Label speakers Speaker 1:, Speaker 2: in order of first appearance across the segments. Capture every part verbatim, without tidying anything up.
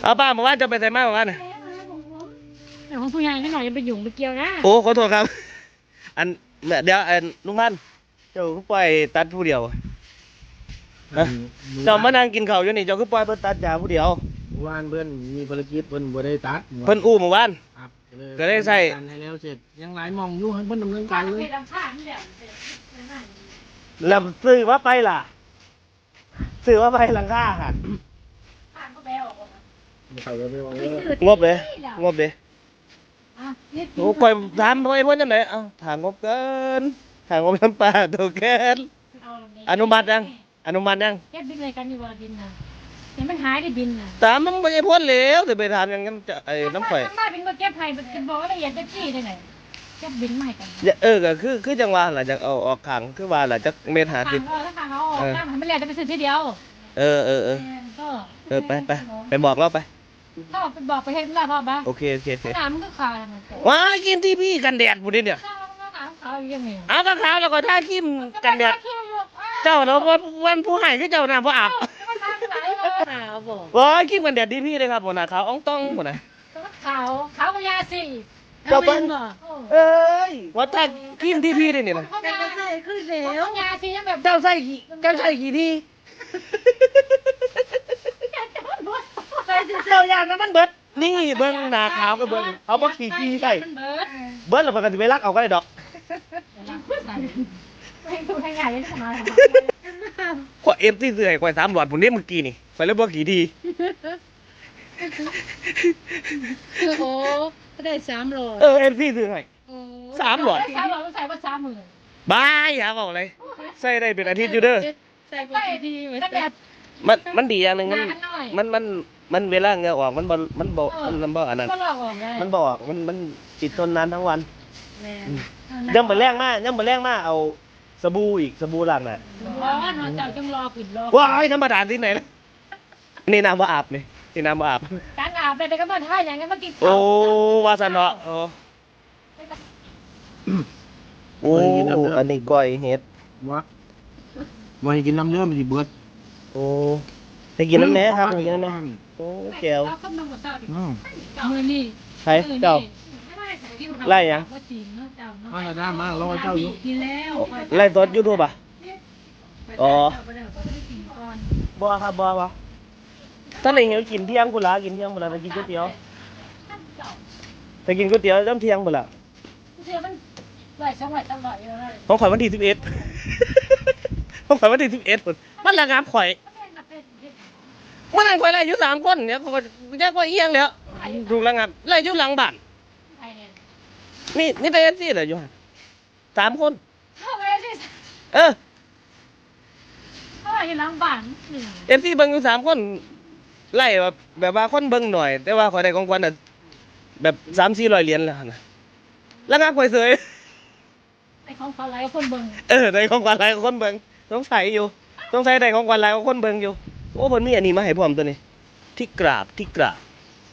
Speaker 1: เอาป้าเมื่อวานจะไปใส่มาเมื่อวานน่ะ
Speaker 2: แต่ของผู้ใหญ่นิดหน่อยยังไปยุ่งไปเกี่ยวนะ
Speaker 1: โอ้ขอโทษครับอันเดี๋ยวอันลุงพันธุ์เจ้าคือปล่อยตัดผู้เดียวฮะเจ้ามานั่งกินข้าวอยู่นี่เจ้าคือปล่อยเพิ่นตัดยาผู้เดียว
Speaker 3: วานเพื่อนมีภารกิจเพื่อนบ่ได้ตัด
Speaker 1: เพิ่นอู้เมื่อวาน
Speaker 3: ครับ
Speaker 1: ก็ได้ใส่
Speaker 3: การให้แล้วเสร็จยังหลายมองอยู่ให้เพิ่นดำเนินการเลย
Speaker 1: แล้วซื้อว่าไปล่ะซื้อว่าไปหลังคาหัน
Speaker 3: เขาก็ไม่ว่าเออง
Speaker 1: บเลยงบเลยโอ้ปล่อยถามไปเพิ่นจังได๋เอ้าถามงบเกินถามงบน้ำปลาตัวเกินอนุมัติยังอนุมัติยัง
Speaker 2: แก้บินอะไรกันอยู่ว่าบินน่ะเห็นมันหายได้บินน่ะ
Speaker 1: ตามมันบ่ได้พ้นแล้วสิไปถามหยังกันจะไอ้น้ำข่อย
Speaker 2: ทำไมเป็นมาเก็บไผ่เป็นบอกว่าละเอียดจะจี้ได้ไหนเก็บบินใหม่กัน
Speaker 1: อย่าเออก็คือคือจังว่าล่ะจักเอาออกข้างคือว่าล่ะจักเม็ดห้าสิบ
Speaker 2: ทางเขาทางเขาออกทางมันไม่เหลือจะไปซื้อทีเดียว
Speaker 1: เออเออเออ
Speaker 2: ก็
Speaker 1: เออไปไปไปบอกเราไป
Speaker 2: ถ้าไปบอกไปเห็นแล้วพ่อปะ
Speaker 1: โอเคโอเคโอเค
Speaker 2: น้ำมันก็ขาดมัน
Speaker 1: ว้ากินที่พี่กันแดดพุ่นนี่เนี่ย
Speaker 2: ข้าวมันก็ขาวขาวยังไง
Speaker 1: เอาก็ขาวแล้วก็ทาครีมกันแดดเจ้าเนาะว่าวันผู้ให้คือเจ้าน่ะบ่อาบ
Speaker 2: ขาวบอก
Speaker 1: ว้าครีมกันแดดที่พี่เลยครับพุ่นน่ะขาวอ่องต้องพุ่นน่ะ
Speaker 2: ขาวขาวกับยาสี
Speaker 1: เจ้าเปิ้นเอ้ยว่าทาครีมที่พี่ได้นี่น่ะ
Speaker 2: แต่ก็ใส่ขึ้นแล้วยาสียังแบบ
Speaker 1: เจ้าใส่กี่เจ้าใส่กี่ทีเจ้าย่านนั้นมันเบิดนี่เบิ่งหน้าขาวก็เบิ่งเอาบ่ขี้ขี้ใส่
Speaker 2: มันเบิร์ด
Speaker 1: เบิดแล้วก็สิไปรักเอาก็ได้ดอก
Speaker 2: ให้ดูให้ใหญ่เลยทำไม
Speaker 1: ข่อยเอฟที่เสื่อยข่อยสามหลอดพุ่นนี่เมื่อกี้นี่ข่อยเลยบ่ขี้ที
Speaker 2: โอ้ได้สามโล
Speaker 1: เออเอฟที่เสื่อยสามหลอด
Speaker 2: สามหลอดต้องใส่ว่าสามหมื่น
Speaker 1: บายอย่าบอกเลยใส่ได้เป็นอาทิตย์อยู่เด้อ
Speaker 2: ใส่ไปดีเหมือนแบบ
Speaker 1: มันมันดีอย่างหนึงมัน
Speaker 2: หน้อย
Speaker 1: มันมันมันเวลาเหงื่อออกมันบ่มันบ่มันบ่อันนั้น
Speaker 2: ก็หลอกออกได้
Speaker 1: มันบ่ออกมันมันติดทนนานทั้งวัน
Speaker 2: แม่
Speaker 1: ยังบ่แรงมากยังบ่แรงมากเอาสบู่อีกสบู่ล้างหน้า
Speaker 2: ร้อนเนาะเจ้าจังรอปิดรอ
Speaker 1: ว้ายธรรมดาที่ไหนนะนี่น้ำบ่อาบนี่นี่น้ำบ่อาบ
Speaker 2: การอาบไปก็มาท่าอย่างนั้นมากิน
Speaker 1: โอ้วาซะเนาะโอ้โอ้อันนี้ก้อยเห็ด
Speaker 3: วะว่าให้กินน้ำเยอะมันสิเบิด
Speaker 1: โอ้ไปกินน้ำแหน่ครับไปกินน้ำแหน่โอ้แก้ว
Speaker 2: แล้วก็มาหมดตา
Speaker 3: อืม
Speaker 2: มือนี่
Speaker 1: ใครเจ้า ไล่ยัง
Speaker 2: ว่าจริงเนาะเจ้าเนาะ
Speaker 3: เอาละด้ามารอเจ้าอยู่
Speaker 2: กินแล้ว
Speaker 1: ไล่สดยูทูบอ่ะอ๋อ
Speaker 2: ไปเดี๋ยวไปกินก่อน
Speaker 1: บ่ครับบ่บ่ถ้าไหนหิวกินเที่ยงกูละกินเที่ยงกูละไปกินก๋วยเตี๋ยวไปกินก๋วยเตี๋ยวน้ำเที่ยงกูละ
Speaker 2: เชื่อมันไหลช่องไหลตลอดอยู่เลย
Speaker 1: ของข่อยวันที่สิบเอ็ด ของข่อยวันที่สิบเอ็ดพุ่นมันระงับข่อยมันนั่งข่อยไล่อยู่สามคนเนี่ยข่อยแยกว่าเอียงแล้วถูกระงับไล่อยู่หลังบ้าน
Speaker 2: ไอ้เนี่ย
Speaker 1: นี่นี่แต่เอฟซีเหรออยู่หั่นสามคน
Speaker 2: เข้าไปสิ
Speaker 1: เออ
Speaker 2: เข้าไปล้างบ้านหนึ่ง
Speaker 1: เอฟซีเบิ่งอยู่สามคนไล่แบบแบบว่าคนเบิ่งหน่อย แต่ว่าข่อยได้ของขวัญน่ะแบบสามสี่ร้อยเหรียญแล้วนะระงับข่อยเสย
Speaker 2: ไอ้ของเขาไรคนเบิ่ง
Speaker 1: เออได้ของขวัญหลายกว่าคนเบิ่งสงสัยอยู่สงสัยได้ของขวัญหลายกว่าคนเบิ่งอยู่โอ้เพิ่นมีอันนี้มาให้พร้อมตัวนี้ ที่กราบที่กราบ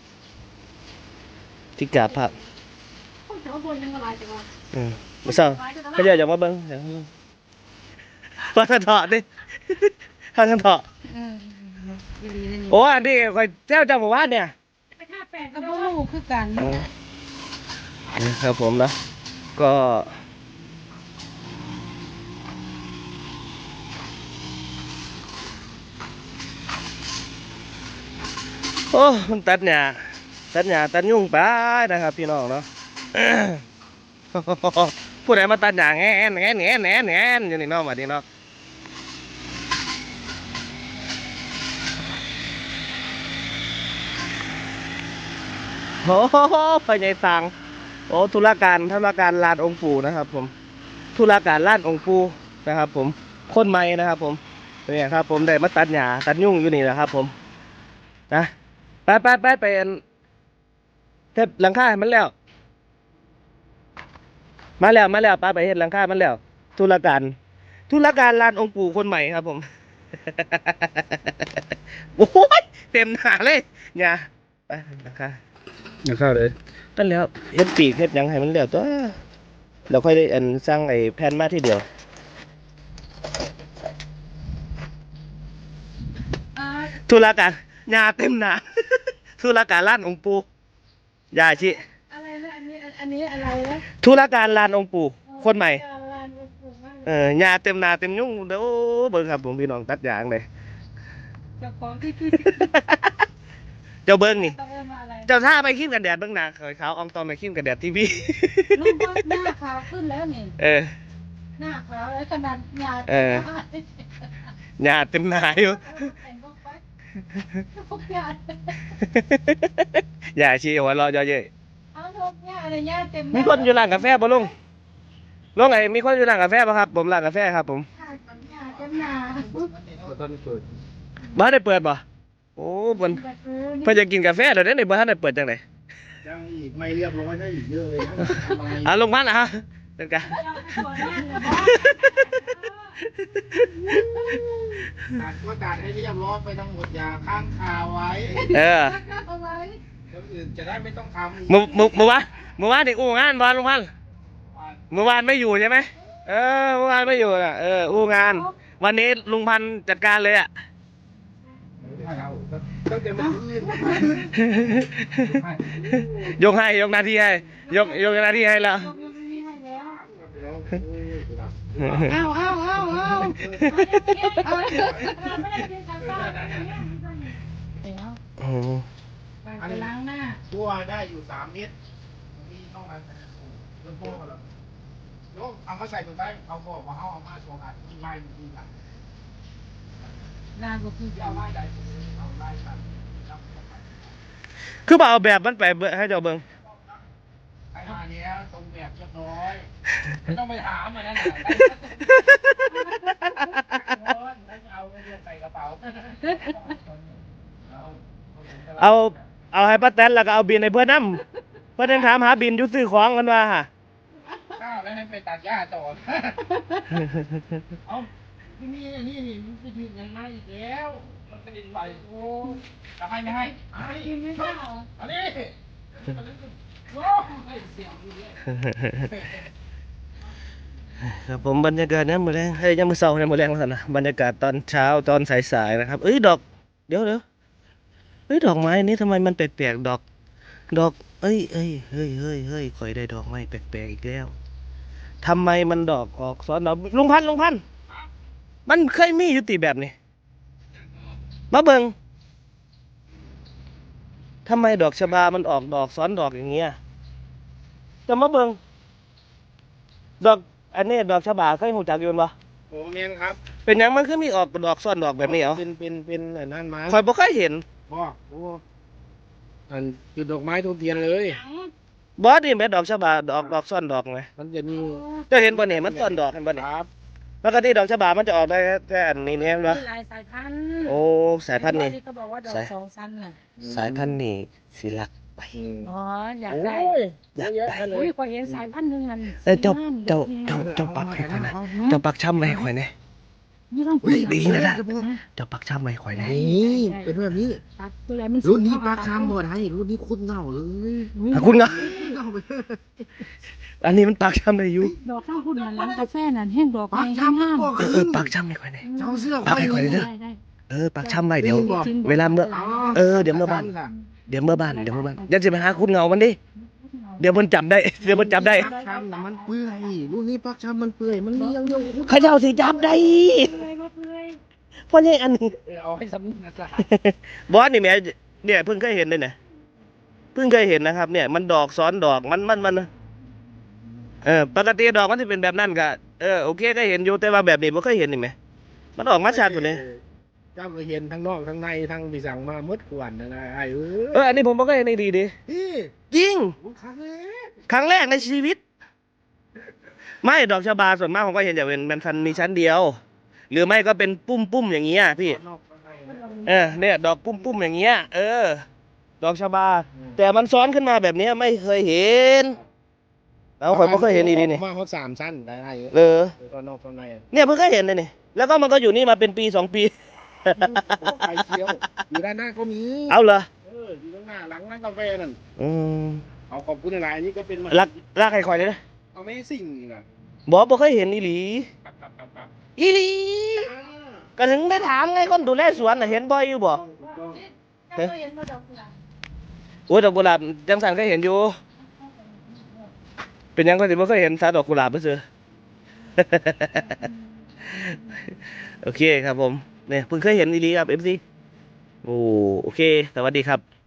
Speaker 1: ที่กราบพระ
Speaker 2: คนแถวบนยังอะไรแต่ว่า
Speaker 1: อืมบ่เศร้าเขาเจะอยากมาเบิ่งอยากมาเบิ่งว่าท่านเถาะดิ ท่านเถาะ
Speaker 2: เออดีๆนี่
Speaker 1: โอ้อันนี้ข่อยแจ้วจำบ่ว่าเนี่ย
Speaker 2: ไปฆ่าแปดกับพวกลูกคือกัน
Speaker 1: อ๋อนี่ครับผมนะก็โอ้มันตัดหญ้าตัดหญ้าตัดยุ่งไปนะครับพี่น้องเนาะ ผู้ใดมาตัดหญ้าแง่นแง่นแง่นแง่นแง่นอยู่นี่เนาะมาดีเนาะโอ้โหไปใหญ่สังโอ้ธุรการธุรการลานองค์ปู่นะครับผมธุรการลานองค์ปู่นะครับผมคนใหม่นะครับผมเนี่ยครับผมได้มาตัดหญ้าตัดยุ่งอยู่นี่แหละครับผมนะไปไปไปไปอันเทปหลังคาให้มันแล้ว มาแล้วมาแล้วป้าไปเห็นหลังคามันแล้วธุรการธุรการลานองค์ปู่คนใหม่ครับผม โอ้ยเต็มหน้าเลยเนี่ยไปหลังคา
Speaker 3: อย่าเข้าเลย
Speaker 1: นั่นแล้วเฮ็ดปีกเฮ็ดหยังให้มันแล้วตัวเราค่อยได้อันสร้างไอ้แผ่นมาทีเดียวธุรการหญ้าเต็มหน้า ธุธุรการลานองค์ปู่ยาชิ
Speaker 2: อะไรนะอันนี้อันนี้อะไรนะ
Speaker 1: ธุรการลานองค์ปู่คนใหม่
Speaker 2: การลานองค์ปู่มาก
Speaker 1: เออยาเต็มหนาเต็มยุ่งเด้อเบิ่งครับผมพี่น้องตัดยางเลย
Speaker 2: เจ้าของที่ที่
Speaker 1: เจ้าเบิ่งนี่
Speaker 2: ต้องเอิ้นว่าอะไร
Speaker 1: เจ้าท่าไปขี้กันแดดเบิ่งหน้าขาวๆอองตอนไปขี้กันแดดทีวี
Speaker 2: ลูกว่าหน้าขาวขึ้นแล้วนี่
Speaker 1: เออ
Speaker 2: หน้าขาวแล้วขนาดหยาด
Speaker 1: เออ หญ้าเต็มหนาอยู่
Speaker 2: แต่งพวกไปพวกหยาด
Speaker 1: ยาชีหัวเราะเยอะเย้ย
Speaker 2: เอาพวกหยาดอะไรหยาดเต็ม
Speaker 1: มีคนอยู่ร้านกาแฟบ่ลุงลุงไอ้มีคนอยู่ร้านกาแฟป่ะครับผมร้านกาแฟครับผม
Speaker 2: หยาดเต็มหน้า
Speaker 3: ตอนเปิด
Speaker 1: บ้านได้เปิดป่ะโอ้เพิ่น
Speaker 2: แบบเออ
Speaker 1: เพิ่นจะกินกาแฟเดี๋ยวนี้บ้านได้เปิดจังได
Speaker 3: ยังอีกไม่เรียบร้อยได้อีกเยอะเลยนะ
Speaker 1: อ่ะลงบ้านนะฮะเป็นกัน
Speaker 3: ตัดก็ตัดให้เรียบร้อยไปทั้งหมดอย่าค้างคาไว้
Speaker 1: เออ
Speaker 2: เอาไว้
Speaker 3: คนอื่นจะได้ไม่ต้องทำ
Speaker 1: เมื่อเมื่อเมื่อวานเมื่อวานนี่อู้งานบ่ลุงพันธุ์เมื่อวานไม่อยู่ใช่ไหมเออเมื่อวานไม่อยู่น่ะเอออู้งาน วันนี้ลุงพันธุ์จัดการเลยอ่ะ
Speaker 3: ตั้งแต่เมื่อคืน
Speaker 1: ยกให้ยกหน้าที่ให้ยกยกหน้าที่ให้แล้ว
Speaker 2: เอาเอาเอาเอาเอาไปล้างหน้า
Speaker 3: ตัวได้อยู่สามเมตรมีเท่านั้นเริ่มโป้แล้วโยมเอามาใส่ถุงไปเอาบอกว่าเอาเอามาสองอันที่ไล่ที่หลัง
Speaker 2: ล้างก็คือ
Speaker 3: เอาไล่ได้เอาไล่กัน
Speaker 1: คือบ่เอาแบบมันไปเบิ่งให้เจ้าเบิ่ง
Speaker 3: ไอ้มาเนี้ยตรงแบบเรียบร้อยไม่ต้องไปถามมันนั่นแหละเอาไปใส่กระเป๋า
Speaker 1: เอาเอาให้ป้าแตนแล้วก็เอาบินให้เพื่อนนำเพื่อนยังถามหาบินอยู่ซื้อของกันว่าฮะ
Speaker 3: ข้าวแล้วให้ไปตัดหญ้าต่อเอาที่นี่นี่นี่มันจะยืนยังไงอีกแล้วมันจะดินไหวโอ้จะให้ไม่ให้ให้
Speaker 2: กินไม่ได้เหรอ
Speaker 3: อันนี้โอ้ยเสียงอยู่เลย
Speaker 1: ครับผมบรรยากาศเนี่ยามมื้อแรงเฮ้ยยังมื้อเช้าเนี่ยามมื้อแรงแล้วกันนะบรรยากาศตอนเช้าตอนสายๆนะครับเอ้ยดอกเดี๋ยวเดี๋ยวเฮ้ยดอกไม้นี้ทำไมมันแปลกๆดอก ดอกเอ้ยเอ้ยเฮ้ยเฮ้ยเฮ้ยข่อยได้ดอกไม้แปลกๆอีกแล้วทำไมมันดอกออกซ้อนดอกลุงพันธุ์ลุงพันธุ์มันเคยมีอยู่ติแบบนี้มาเบิ่งทำไมดอกชบามันออกดอกซ้อนดอกอย่างเงี้ยจะมาเบิ่งดอกอันนี้ดอกชบาเคยหูจักอยู่บ่
Speaker 3: โอ้เมียนครับ
Speaker 1: เป็นหยังมันคือมีออกดอกซ้อนดอกแบบนี้เหรอ
Speaker 3: เป็นเป็นเป็นไอ้นั่นมา
Speaker 1: ข่อยบ่เคยเห็น
Speaker 3: บอกโอ้อันคือดอกไม้ทุกเทียนเลย
Speaker 1: บ่นี่แม่ดอกชบาดอกดอกซ้อนดอกไง
Speaker 3: มันจะมี
Speaker 1: เจ้าเห็นบ่เนี่ยมันซ้อนดอกเห็นบ่
Speaker 3: ค
Speaker 1: เนี่ย
Speaker 3: รับ
Speaker 1: ปกติดอกชบามันจะออกได้แค่อันนี้เนี่ยเห็นบ่
Speaker 2: มีหลายสายพันธุ์
Speaker 1: โอ้สายพันธุ์นี่
Speaker 2: เขาบอกว่าดอก
Speaker 1: สาย
Speaker 2: สองชั้นน่ะ
Speaker 1: สายพันธุ์นี่สิรักไป
Speaker 2: อ๋ออยาก
Speaker 3: โอ้
Speaker 2: ได้
Speaker 3: ย
Speaker 1: อยาก
Speaker 3: เยอะ
Speaker 1: ได้
Speaker 3: แยะเล
Speaker 2: อุ้
Speaker 3: ย
Speaker 2: ยพอเห็นสายพันธุ์หนึงนั่น
Speaker 1: เอ้ยเจ้า
Speaker 2: สีน้ำ
Speaker 1: เจ้า
Speaker 2: ด
Speaker 1: เจ้า
Speaker 2: อก
Speaker 1: เจ้าปักให้ข่อยนะเจ้าปักช้ำไว้ให้ข่อยนะ
Speaker 2: นี่ต้อง
Speaker 3: อุ้ย
Speaker 1: ดีนะนะ
Speaker 2: นะ
Speaker 1: เจ้าปักช้ำไว้ให้ข่อยนะ
Speaker 3: นี่เป็นแบบนี้
Speaker 2: ตัดตัวไหนมัน
Speaker 3: รุ่นนี้ปลาคำหมดให้รุ่นนี้คุณเง่าเลย
Speaker 2: อุ้ย
Speaker 1: อ่ะคุณเงา
Speaker 3: เง่าไป
Speaker 1: อันนี้มันปักช้ำได้อยู่
Speaker 2: ดอกข้างคุณนั่นร้านกาแฟนั่นแห้งดอก
Speaker 3: ปลา
Speaker 2: ไม้
Speaker 3: คำ
Speaker 2: ห้าม
Speaker 3: บอก
Speaker 1: เออเออปักช้ำให้ข่อยนะ
Speaker 3: เจ้าเสื้อ
Speaker 1: ปักให้ข่อยเลยเด้อ
Speaker 2: ได้ได้
Speaker 1: เออปักช้ำไว้เดี๋ยว เวลาเมื่อ เออเดี๋ยวเมื่อบ้าน เดี๋ยวเมื่อบ้านเดี๋ยวเมื่อบ้านอย่าจะไปหาคุณเงามันดิเดี๋ยวมันจำได้เดี๋ยวมันจำได้
Speaker 3: ปลาคำน่ะมันเปื่อยรุ่นนี้ปลาคำมันเปื่อยมันเลี้ยงเดียว
Speaker 1: เขาเจ้าสิจำได้
Speaker 2: เลยก็เลย
Speaker 1: เพราะนี่อันนี้
Speaker 3: เอาให้สำนึกนะจ๊ะ
Speaker 1: บอสนี่แหม่เนี่ยเพิ่งเคยเห็นเลยเนี่ยเพิ่งเคยเห็นนะครับ เนี่ยมันดอกซ้อนดอกมันมันมันเออปกติดอกมันจะเป็นแบบนั้นก็เออโอเคก็เห็นอยู่แต่ว่าแบบนี้ไม่เคยเห็นนี่ไหมมันออกมาชัดกว่านี้
Speaker 3: เจ้าก็เห็นทั้งนอกทั้งในทั้งปีสั่งมาหมดกวนนะนะไอ้เอ้
Speaker 1: เอออันนี้ผมไม่เคยเห็นในดีดิ
Speaker 3: นี่
Speaker 1: จริง
Speaker 3: ครั้งแรก
Speaker 1: ครั้งแรกในชีวิต ไม่ดอกชบาส่วนมากผมก็เห็นอย่างเป็นมันพันมีชั้นเดียว หรือไม่ก็เป็นปุ้มปุ้มๆอย่างเงี้ยพี่
Speaker 3: นอกทั้งใน
Speaker 1: เออเนี่ยดอกปุ้มปุ้มๆอย่างเงี้ยเออ ดอกชบา แต่มันซ้อนขึ้นมาแบบเนี้ยไม่เคยเห็นเราข่อยไม่เคยเห็นอีดีนี่
Speaker 3: มาเขาสามชั้นได้ไอ้
Speaker 1: เออ
Speaker 3: ตอนนอกตอนใน
Speaker 1: เนี่ยเพิ่งเคยเห็นเลยนี่แล้วก็มันก็อยู่นี่มาเป็นปีสองปี
Speaker 3: ไข่เคียวอยู่ด้านหน้าก็มี
Speaker 1: เอาเหรอ
Speaker 3: เอออยู่ข้างหน้าหลังร้านกาแฟนั่น
Speaker 1: อืม
Speaker 3: เอาขอบคุณหลายๆอันนี้ก็เป็นมา
Speaker 1: รักรักใครคอยเลยนะ
Speaker 3: เอาไม่สิ่งนี่นะ
Speaker 1: บอกบ่เคยเห็นอีหลี
Speaker 3: ปับปับปับปับ
Speaker 1: อีหลี
Speaker 3: อ่า
Speaker 1: ก็ถึงได้ถามไงคนดูแลสวนน่ะเห็นบ่อยอยู่บ่
Speaker 3: ถูกต้อง
Speaker 2: เจ้าก็เห็นว่าดอกกุหลาบ
Speaker 1: โอ้ยดอกกุหลาบจังสันก็เห็นอยู่ เป็นหยังก็สิบ่เคยเห็นสาดอกกุหลาบไปซื้อ โอเคครับผมเนี่ยเพิ่งเคยเห็นอีหลีครับ เอฟ ซี โอ้โอเค สวัสดีครับ